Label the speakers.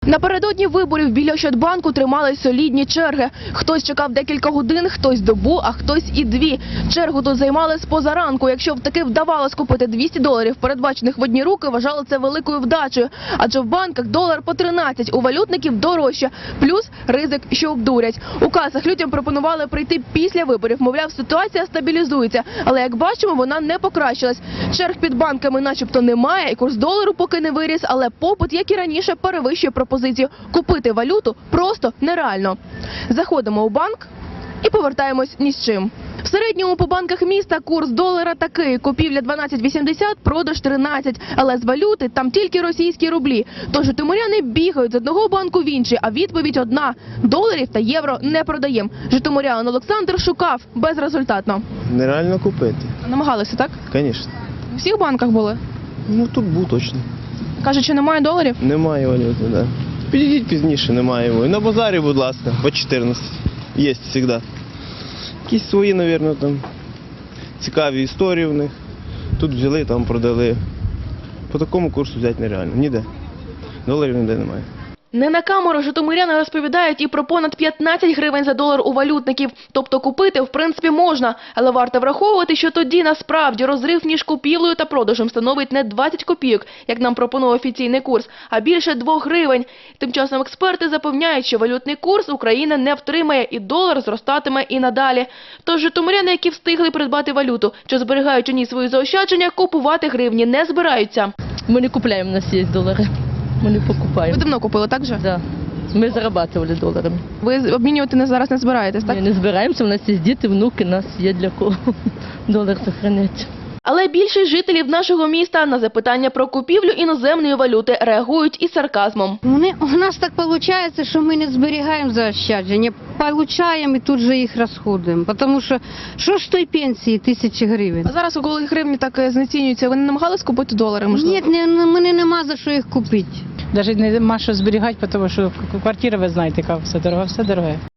Speaker 1: Напередодні виборів біля Ощадбанку тримали солідні черги. Хтось чекав декілька годин, хтось добу, а хтось і дві. Чергу тут займали з позаранку. Якщо таки вдавалось купити $200, передбачених в одні руки, вважали це великою вдачею. Адже в банках долар по 13, у валютників дорожче. Плюс ризик, що обдурять. У касах людям пропонували прийти після виборів. Мовляв, ситуація стабілізується. Але, як бачимо, вона не покращилась. Черг під банками начебто немає, і курс долару поки не виріс, але попит, як і раніше, перевищує пропозицію. Купити валюту просто нереально. Заходимо у банк і повертаємось ні з чим. В середньому по банках міста курс долара такий. Купівля 12,80, продаж 13. Але з валюти там тільки російські рублі. Тож житомиряни бігають з одного банку в інший, а відповідь одна – доларів та євро не продаємо. Житомирянин Олександр шукав безрезультатно.
Speaker 2: Нереально купити.
Speaker 1: Намагалися, так?
Speaker 2: Звісно.
Speaker 1: У всіх банках були?
Speaker 2: Ну тут був точно.
Speaker 1: Кажуть, що немає доларів?
Speaker 2: Немає валюти, да. Підійдіть пізніше, немає його. І на базарі, будь ласка, по 14. Є завжди. Якісь свої, мабуть, там цікаві історії в них. Тут взяли, там продали. По такому курсу взяти нереально. Ніде. Доларів ніде немає.
Speaker 1: Не на камеру житомиряни розповідають і про понад 15 гривень за долар у валютників. Тобто купити, в принципі, можна. Але варто враховувати, що тоді насправді розрив між купівлею та продажем становить не 20 копійок, як нам пропонує офіційний курс, а більше 2 гривень. Тим часом експерти запевняють, що валютний курс Україна не втримає і долар зростатиме і надалі. Тож житомиряни, які встигли придбати валюту, що зберігають у ній свої заощадження, купувати гривні не збираються.
Speaker 3: Мы не купляем, у нас есть доллары. Мы не покупаем.
Speaker 1: Ви давно купили, так же?
Speaker 3: Да. Мы зарабатывали долларами.
Speaker 1: Ви обмінювати зараз не збираєтесь, так?
Speaker 3: Мы не збираємося, у нас є діти, внуки, нас є для кого долар сохранять.
Speaker 1: Але більшість жителів нашого міста на запитання про купівлю іноземної валюти реагують із сарказмом.
Speaker 4: У нас так виходить, що ми не зберігаємо заощадження, отримуємо і тут же їх розходуємо. Тому що ж той пенсії 1000 гривень?
Speaker 1: А зараз, коли гривні так знецінюються, ви не намагались купити долари, можливо?
Speaker 4: Ні, мене нема за що їх купити.
Speaker 5: Навіть нема що зберігати, тому що квартира, ви знаєте, яка все дорога.